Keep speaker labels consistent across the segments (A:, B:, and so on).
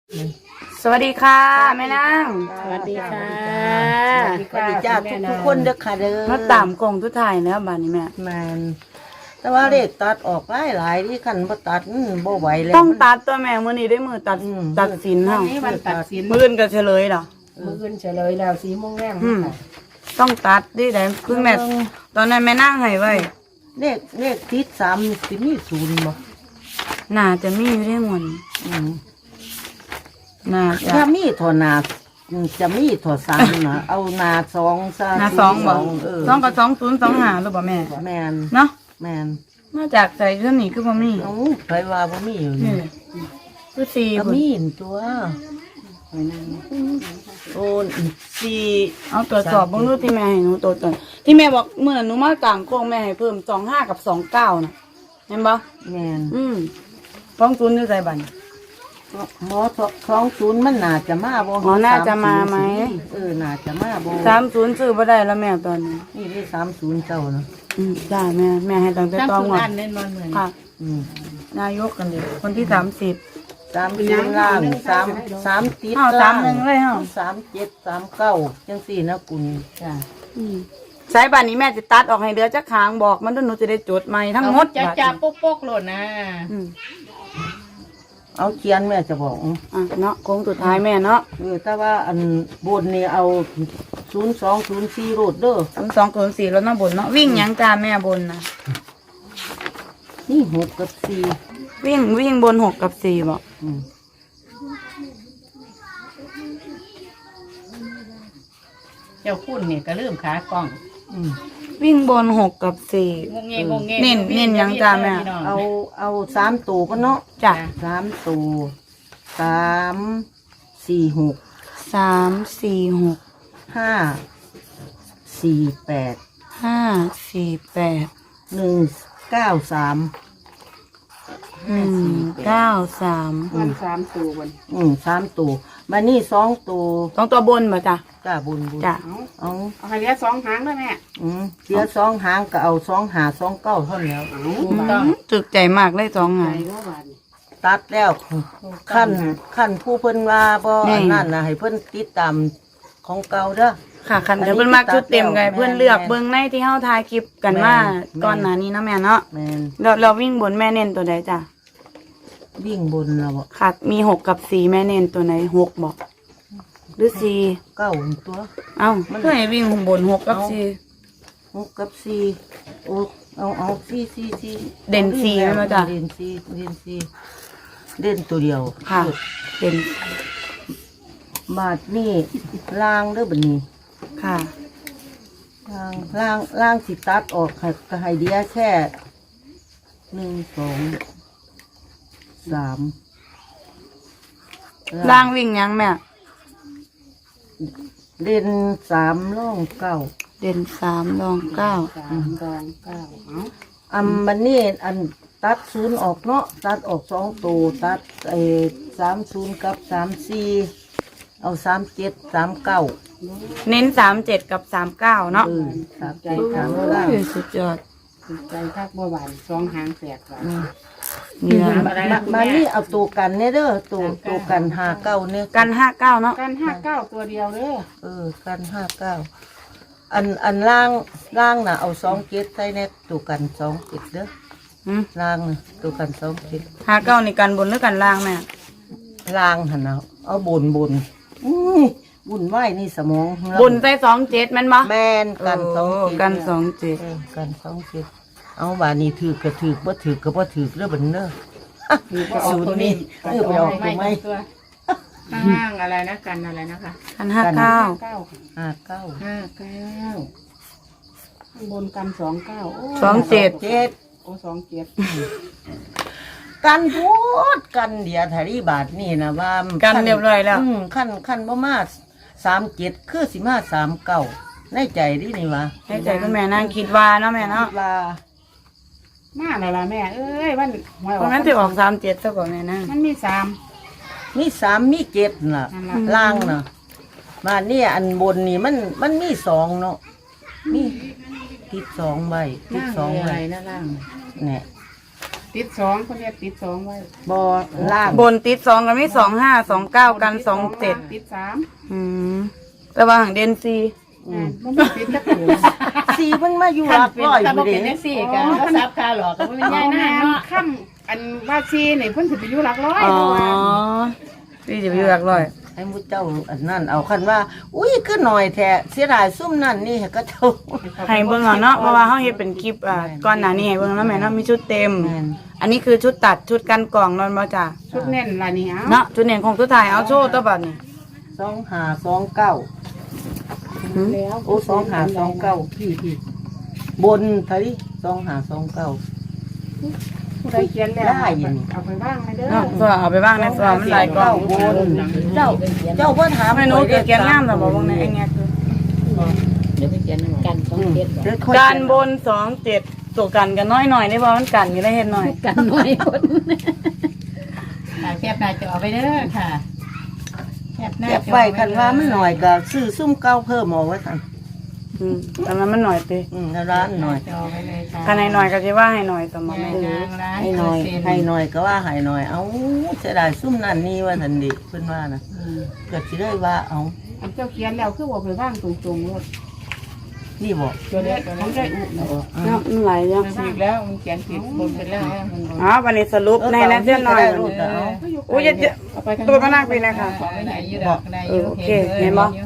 A: สวัสดีค่ะแม่นาง
B: สวัสดีค่ะ
C: สวัสดีจ้าทุกคนเด้อค่ะเด้อ
A: มาตามกล่องทุกถ่ายแล้วบ้านนี้แม่
C: แมนแต่ว่าเลขตัดออกหลายที่คันบ่ตัดบ่ไหวแล้ว
A: ต้องตัดตัวแม่มื้อนี้ได้มือตัดตัดสินเฮา
B: วันนี้วันตัดสิน
A: มื้ออื่นก็เฉลยเหรอ
B: มืออื่นเฉลยแล้ว4 โมงแรง
A: ต้องตัดดิได้คุณแม่ตอนนั้นแม่นั่งให้ไว้
C: เลขติด3สิมี0บ่
A: น่าจะมีอยู่ได้หมด
C: อืม
A: น่าจะ
C: ถ้ามีถอหนาจะมีถอ3นะเอาหนา2ซะ
A: หน้าสองบ่
C: เออ
A: สองกับ2025หรือบ่แม่
C: แมน
A: เนาะ
C: แมน
A: มาจากใส่เรื่องนี้คือบ่มี
C: เอ้าไปว่าบ่มีอยู่
A: นี่
C: นี่
A: คือสี่
C: ก็
A: พุ่น
C: มีนตัวโอ้4
A: เอาตรวจสอบเบิ่งดูที่แม่ให้หนูตัวตนที่แม่บอกเมื่อหนูมากลางโค้งแม่ให้เพิ่ม25กับ29น่ะเห็นบ่
C: แมน
A: ฟ้องศูนย์อยู่ใส่บัน
C: หมอ20มันน่าจะมาบ่
A: อ๋อน่าจะมาไหม
C: น่าจะมาบ่
A: 30ซื้อบ่ได้แล้วแม่ตอนนี้
C: นี่ได้30เจ้าเนาะ
A: จ้าแม่ให้ตั้งแต่
B: ตั้ง
A: ต้อง
B: สุ
A: หมด
B: อันเน้นนอนเหมือน
A: ค่ะ
C: อืม
A: นายกกันเลยคนที่30
C: 30ล่าง3ติด
A: อ้าว
C: ล่าง
A: 31เลยเหรอ
C: 37 39จังซี่นะคุณ
B: จ้ะ
A: สายบันนี้แม่จะตัดออกให้เดือจักคางบอกมันด้วยหนูจะได้จดใหม่ทั้งหมด
B: จะ
A: บัด
B: จับ
A: นี้
B: โป๊กๆโหลดนะ
A: อืม
C: เอาเขียนแม่จะบอก
A: เนาะโค้งสุดท้ายแม่เนาะ
C: แต่ว่าอันบนนี่เอา0204โรดเด้อ
A: 0204แล้วเนาะบนเนาะวิ่งหยังจ้าแม่บนนะ
C: นี่6กับ4
A: วิ่งบน6กับ4บอก
C: อืม
B: เจ้าคุณเนี่ยก็ลืมขากล้อง
C: อืม
A: วิ่งบน6กับ4
B: งงเงงงเง
A: เน้นยังจ้ะแม่
C: เอา3ตัวก็เนาะ
A: จ้ะ
C: 3ตัว3 4 6
A: 3 4 6
C: 5 4 8
A: 5 4 8
C: 1 9 3
A: 193
B: วัน3 ตัววัน
C: 3ตัวมานี่2ตัว
A: ต้องตัวบนบ่จ้ะ
C: จ้าบุญ
A: จ้ะ
C: เอา
B: เอาให้เหลือ2 หางด้วยแม่
C: เสีย2 หางก็เอา2 หา2 เก้าเท่านั้นแล้ว
B: ต้อง
A: ตึกใจมากเลย2
B: ใจ
A: หาง
B: ก็หวาน
C: ตัดแล้วขั้นผู้เพิ่นว่าบ่อันนั้นนะให้เพิ่นติดตามของเก่าเด้อ
A: ค่ะคันเดี๋ยวเพิ่นมักชุดเต็มไงเพิ่นเลือกเบิ่งในที่เฮาถ่ายคลิปกันมาก่อนหน้านี้เนาะแม่เนาะ
C: แม่น
A: เราวิ่งบนแม่เน้นตัวใดจ้ะ
C: วิ่งบนแล้วบ่
A: ค่ะมี6กับ4แม่เน้นตัวไหน6บ่หรือ4
C: เก้าตัว
A: เอ้าเพื่อให้วิ่งบน6กับ
C: 6กับ4โอ้เอา4
A: เด่น4แม่นบ่จ้ะ
C: เด่น4เด่นตัวเดียว
A: 4ค่ะเด่น
C: บาทนี่ล่างเด้อบัดนี้
A: ค่ะ
C: ล่างสิตัดออกก็ให้เดียแค่1 2 3
A: ล่างวิ่งยังแม่
C: เด่น3ร่อง9
A: เด่น3รอง9
B: 3 2 9เอา
C: มันนี่อันตัด0ออกเนาะตัดออก2ตัวตัด30กับ34เอา37 39
A: เน้น37กับ39เนาะ
C: 37 39
A: สุดยอด
B: ใจคักบ่หวาน2 หางแสกหวาน
A: นี่นะ
B: อะไรนะคุณ
C: มา
B: แม่
C: นี่เอาตัวกันเนี่ยเด้อตัวกัน59เนี่ย
A: กัน59เนาะ
B: กัน59ตัวเดียวเด้อ
C: กัน59อันล่างน่ะเอา27ใส่ในตัวกัน27เด้อ
A: หืม
C: ล่างน่ะตัวกัน27
A: 59นี่กันบนหรือกันล่างแม่
C: ล่างหั่นน่ะเอาบนบุญไหวนี่สมองเรา
A: บนใส่27แม่นบ่
C: แม่นกัน27
A: กัน
C: กัน27เอาบาดนี้ถือก็ถือบ่ถือก็บ่ถือเด้อบัดเด้อ
B: คือก็ออกตัวนี้
C: ไปออกตัวไม่
B: ตัวข้างล่างอะไรนะกันอะไรนะคะ
A: 27กัน
B: 59
A: 59
C: 59
B: 59ข้างบนกัน29โอ้
A: 27
C: 7
B: โอ้27
C: กันพูดกันเดียวทารีบาทนี่นะว่า
A: กันเรียบร้อยแล้ว
C: ขั้นบ่มา37คือสิมา39ในใจดินี่วะ
A: ให้ใจคุณแม่นั่งคิดว่าเนาะแม่เนาะ
C: ว่า
B: มาแล้วล่ะแม่เอ้ยมันหวย
A: เพราะงั้นสิออก37ซะก่อนแม่นะ
B: มันมี
C: มี3มี7น่ะ
B: นั่นล่ะ
C: ล่างน่ะมาเนี่ยอันบนนี่มันมี2เนาะมีติด2ใบติด
B: ล่าง
C: 2
B: อะ
C: ใบ
B: ไรนะล่าง
C: เนี่ย
B: ติดสองคนเรียกติดสองไว้
C: บอล่าง
A: บนติดสองกันไม่25 29กัน27
B: ติดสาม
A: แต่ว่าหางเดนซี
B: มันไม่ติดจักตัว
C: สีมันมาอยู่หลักร้อยอยู่เด้
D: ก็ซับคาหลอกก็ไม่ง่ายนะเนาะ
B: ค่ำอันว่าซีนี่เพิ่นสิไปอยู่หลักร้อย
A: อ๋อ
B: เพราะว่า
A: พี่จะไปอยู่หลักร้อย
C: ให้มุเจ้าอันนั้นเอาคันว่า อุ้ยคือหน่อยแท้เสียดายซุ่มนั่นนี่ก็เจ้า
A: ให้เบิ่งเอาเนาะเพราะว่าเฮาเฮ็ดเป็นคลิปก่อนหน้านี้ให้เบิ่งแล้วแม่เนาะมีชุดเต็ม
C: แม่น
A: อันนี้คือชุดตัดชุดกันกล่องนอนบ่จ้า
B: ชุดแน่นล่ะนี่เอา
A: เนาะชุดเน่นของสุดท้ายเอาโชว์ตัวบัดนี้
C: 2529
B: แล้ว
C: โอ้2529พี่บนเท่านี้2529
B: ผู้ใดเขียนแล้ว
C: ได้อยู่นี่
B: เอาไปบ้างไหมเด้อ
A: เนาะตัวเอาไปบ้างในตัวมันหลายกล่อง
C: บนเจ้าเพิ่นถาม
A: ให้หนูเกิดเขียนงามแต่บ่เบิ่งในไอ้แงคือ
D: เดี๋ยวไปเขียนกันต้องเก็บ
A: การบน27ตัวกันกันน้อยหน่อยได้บ่มันกันอยู่ได้เฮ็ดหน่อย
D: กันหน่อยคนแคบหน้าจอไปเด้อค่ะแคบหน้า
C: เก็บไว้คันว่ามันหน่อยก็ซื้อซุ่มเก่าเพิ่มเอาไว้ซั่น
A: ตอนนั้นมันหน่อยติ
C: ร้านหน่อย
D: จอไปเลยค่ะ
A: คันให้หน่อยก็สิว่าให้หน่อยต่อมาแม่
C: ให้หน่อยให้หน่อยก็ว่าให้หน่อย เอาเสียดายซุ่มนั่นนี่ว่าทันดิเพิ่นว่านะเกิดสิได้ว่าเอา
B: อันเจ้าเขียนแล้วคือว่าไปบ้างตรงๆรถ
C: นี่บอก
B: ตัวเล็กของได้อุเนาะ
A: เนาะมันหลายอย่าง
D: ผิดแล้วมันเขียนผิดบนไปแล้ว
A: อ๋อวันนี้สรุปในนั้นเจ้าหน่อย
C: รูดเอา
A: โอ้ยจะตัวพนักไปนะคะ
D: ของไม่ไหนยืดดอกได้ยืดเห็น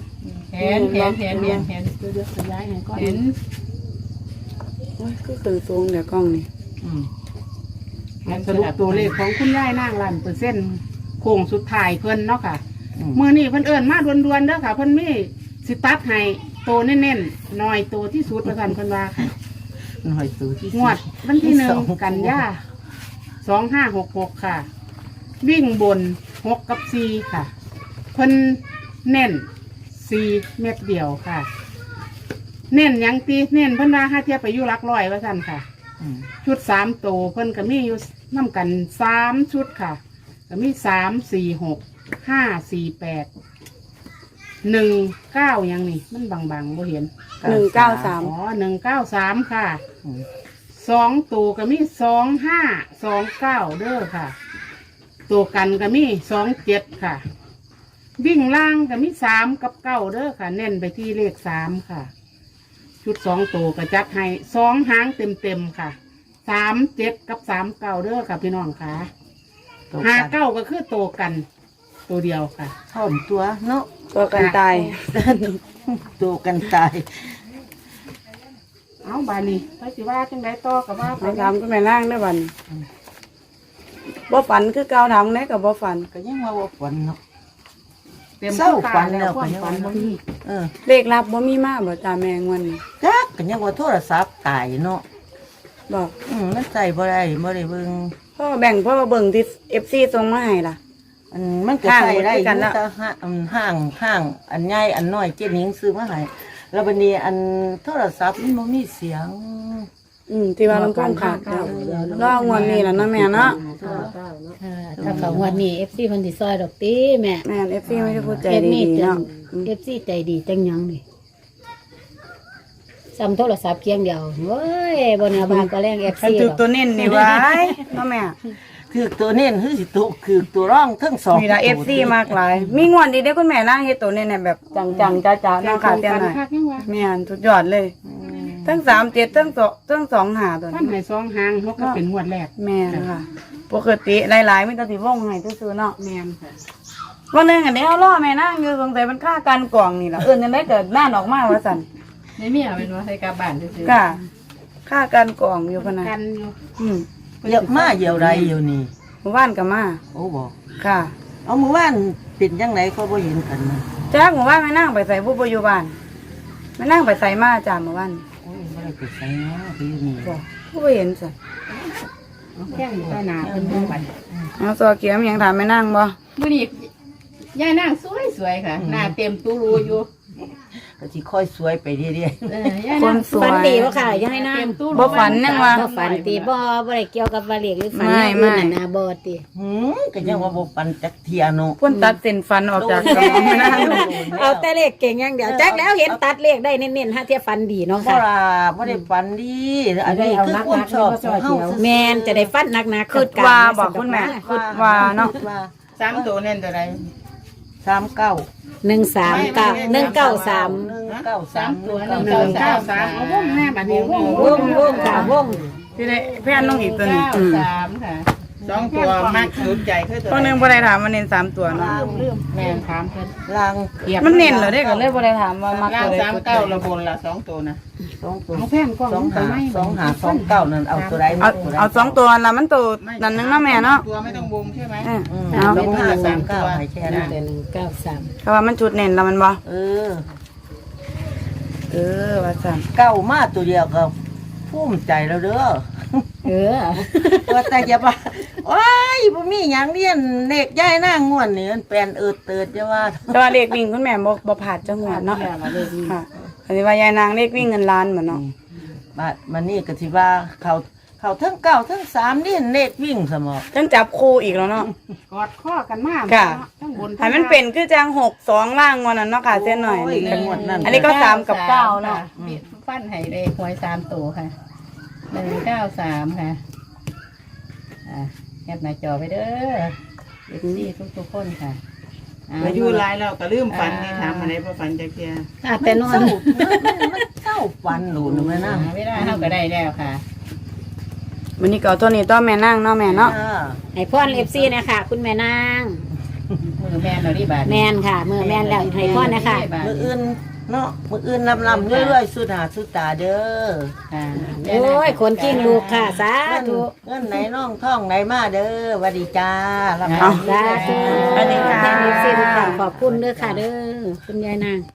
D: เห็น
B: ตัวเดียวขยายให้ก่อน
D: เห็น
A: โอ้ยก็คือสูงเดี๋ยวกล้องนี่
B: สรุปตัวเลขของคุณยายนางล้านเปอร์เซ็นต์โค้งสุดท้ายเพิ่นเนาะค่ะมื้อนี้เพิ่นเอิ้นมาด่วนๆเด้อค่ะเพิ่นมีสิตัดให้โตเน้นๆหน่อยโตที่สุดว่าซั่นเพิ่นว่าค่ะ
C: หน่อยสูที่
B: งวดวันที่1กันยา2566ค่ะ วิ่งบน6กับ4ค่ะเพิ่นเน้น4เม็ดเดียวค่ะ เน้นหยังตีเน้นเพิ่นว่าห้าเทียบไปอยู่หลักร้อยว่าซั่นค่ะ ชุด3ตัวเพิ่นก็มีอยู่นำกัน3ชุดค่ะก็มี3 4 6 5 4 8 1 9ยังนี่มันบางๆบ่เห็น
A: 193
B: อ๋อ193ค่ะ2ตัวก็มี2529เด้อค่ะ ตัวกันก็มี27ค่ะ วิ่งล่างก็มี3กับ9เด้อค่ะ เน้นไปที่เลข3ค่ะ ชุด2ตัวก็จัดให้2หางเต็มๆค่ะ37กับ39เด้อค่ะพี่น้องค่ะ59ก็คือตัวกันตัวเดียวค่ะ
C: ท่อมตัวเนาะ
A: ตัวกันตาย
C: ตัวกันตาย
B: เอาบานี้ไปสิว่าจังไดต่อกับว่าไป
A: ไปถามก็แม่ล่างได้อบัดนี้บ่ฝันคือเก่าถามไหนก็บ่ฝัน
C: ก็ยังว่าว่าฝันเนาะ
B: เต็ม
C: เศร้า
B: ทุก
C: ฝั
B: กาน แล้ว
C: แล้ว
B: ความฝันบ่มี
A: เลขลับบ่มีมาบ่จ้าแม่งวันนี้
C: จักก็ยังว่าโทรศัพท์ตายเนาะ
A: บอก
C: มันใส่บ่ได้เบิ่ง
A: พ่อแบ่งพ่อเบิ่งที่ FC ส่งมาให้ล่ะ
C: มันก็ใส่ได้อยู่
A: ห่างกันแล้ว
C: แต่ห้างอันใหญ่อันน้อยเจ๊หนิงซื้อมาให้แล้วบัดนี้อันโทรศัพท์มันบ่มีเสียง
A: ที่ว่าลำโพงขาดแล้วรองวดนี้ล่ะเนาะแม่เนาะ
D: ถ้าเขาวันนี้ FC เพิ่นสิซอยดอกตีแม่
A: แม่น FC ไม่ได้พูดใจ
D: เฮ็ด
A: ดี
D: นี่
A: ๆ
D: จั
A: เนาะ
D: ง FC ใจดีจังยังนี่ซ้ำโทรศัพท์เคียงเดียวเว้ยบ่น่าบานก็แรง FC
A: คันถึกตัวเน้นนี่ไว้เนาะแม่
C: คือตัวเน้นคือสิตัวคือตัวร่องทั้งสอง
A: มีละ FC มากหลาย มีงวดดีได้อคุณแม่ล่างเฮ็ดตัวเน้นเนี่ยแบบจังๆจ้าๆเนาะค่ะเตี้ยหน่อย
B: คักยังว่า
A: แม่นสุดยอดเลย ทั้ง37ทั้ง2หาตัว
B: ท่าน
A: นี้
B: ให้2หางเฮาก็เป็นงวดแรก
A: แม่นค่ะ ปกติหลายๆมีแต่สิวงให้ซื่อๆเนาะ
B: แม่นค่ะ
A: วันหนึงอันนี้เอาล่อแม่นางอยู่สงสัยมันฆ่ากันกล่องนี่ล่ะเอิ้นจังได๋เกิดน่านออกมาว่าซั่น
D: ในเมียเป็นว่าใส่กลับบ้านซื่อ
A: ค่ะฆ่ากันกล่องอยู่พะนะ
B: กันอยู่
C: เยอะมาเยียวไรเยียวนี่
A: หมู่บ้านก็มา
C: โอ้บอก
A: ค่ะ
C: เอาเมื่อวานเป็นยังไงก็บ่เห็นกันนะ
A: จ้าหมู่บ้านแม่นางไปใส่ผู้บ่อยู่บ้านแม่นางไปใส่มาจ้าหมู่บ้าน
C: โอ้ยไม่ได้ไปใส่เนาะไปอยู่นี่
A: บ่ผู้บ่เห็นซั่น
B: แข้งอยู่ใต้หนาเพิ่นบ่ไป
A: เอาตัวเกียมยังถามแม่นางบ่
D: ๆมื้อนี้ยายนางสวยๆค่ะหน้าเต็มตู้รูอยู่
C: ก็สิค่อยสวยไปเรื่อย
A: คนสวย
E: ฝันดีบ่ค่ะยังให้นาง
A: บ่ฝันยังว่า
E: บ่ฝันตีบ่ได้เกี่ยวกับว่าเลขหรือฝัน
A: ไม่
E: อย่างอื่น
A: ไม่
E: น่ะนะบ่ติ
C: ก็ยังว่าบ่ปันจักเทียเนาะ
A: เพิ่นตัดเส้นฟันออกจากสมองไม่ได้
E: เอาแต่เลขเก่งอย่างเดียวจักแล้วเห็นตัดเลขได้เน้นๆฮะเทียฝันดีเนาะ
C: บ่
E: ค่ะ
C: ล่ะบ่ได้ปันดีอันนี้คือความชอบของเฮา
E: แม่นจะได้ฟันหนักๆ
A: คิดว่าบอกคุณแม่คิดว่าเนาะ
C: ว่า
B: 3ตัวเน้นตัวใด
C: 39
E: 139 193
C: 193
B: ตัว193เอาวงแม่บัดนี้วง
E: วงค่ะวง
A: ที่ได้แพนน้องอีกตัวหนึง
B: 3ค่ะ2ตัวมากสุดใจคือตัว
A: ตัวหนึงบ่ได้ถามว่าเน้น3ตัวเนาะ
B: แม่ถามเพิ่น
C: ลาง
A: มันเน้นเหรอเด้ก็เลยบ่ได้ถามว่ามัก
B: ล่า
A: ตัว
B: ง
A: ใด
B: 39ละบนละ2ตัวนะ
C: 2ตัว
B: เอาแพนกล้อง
C: 2 นั่นเอาตัวใด
A: เอา2ตัวละมันตัวนั่นนึงเนาะแม่เนาะ
B: ตัวไม่ต้องวงใช่ไหม
A: เออ
C: เอา
A: เอา
C: 2539ให้แค่นั้น
E: แต่193
A: เพราะว่ามันจุดเน้นแล้วมันบ่
C: เออ
A: ว่าซั่น
C: เก้ามาตัวเดียวก็ภูมิใจแล้วเด้อ
E: เออ
C: ว่าแต่อย่าว่าโอ้ยบ่มีหยังเรียนเด็กย้ายหน้างวนนี่มันแปลนเติดจะว่า
A: แต่ว่าเลขวิ่งคุณแม่บ่ผ่านจังหวัดเนาะค่ะอันนี้ว่ายายนางเลขวิ่งเงินล้านเหมือนเนาะ
C: บาดมันนี่ก็สิว่าเขาทั้งเก้าทั้งสามนี่เลขวิ่งสมอ
A: จังจับคู่อีกแล้วเนาะ
B: กอดข้อกันมาก
A: ค่ะ
B: ทั้งบน
A: ให้มันเป็นคือจัง6-2ล่างวันนั้นเนาะค่ะเส้นหน่อย
C: โอ้ยกันหมดนั่น
A: อันนี้ก็3กับ9เนาะ
D: มีฟันให้เลขหวย3ตัวค่ะ193ค่ะแคปหน้าจอไปเด้อ FC ทุกๆคนค่ะ
B: อายุหลายแล้วก็ลืมฝันนี่ถามอะไรบ่ฝันจักเที่ย
E: ค่ะแต่นอน
C: มันเศร้าฟันหนูนะแม่นะ
D: เวลาเฮาก็ได้แล้วค่ะ
A: วันนี้ก็เอาตัวนี้ตัวแม่นั่งเนาะแม่เนาะ
E: ให้พร FC นะคะคุณแม่นาง
D: มือแม่นเราดีบาด
E: แม่นค่ะมือแม่นแล้วให้พรนะคะ
C: มืออื่นเนาะมืออื่นลำเรื่อยๆสุดหาสุดตาเด้อ
D: ค่ะ
E: โอ้ยคนกิ้งลูกค่ะสาธุ
C: เงินไหนน้องท่องไหนมาเด้อหวัดดีจ้าลำ
A: เอา
E: สาธุ
A: สวัสดีค่ะ
E: แม่ FC ทุกท่านขอบคุณเด้อค่ะเด้อคุณยายนาง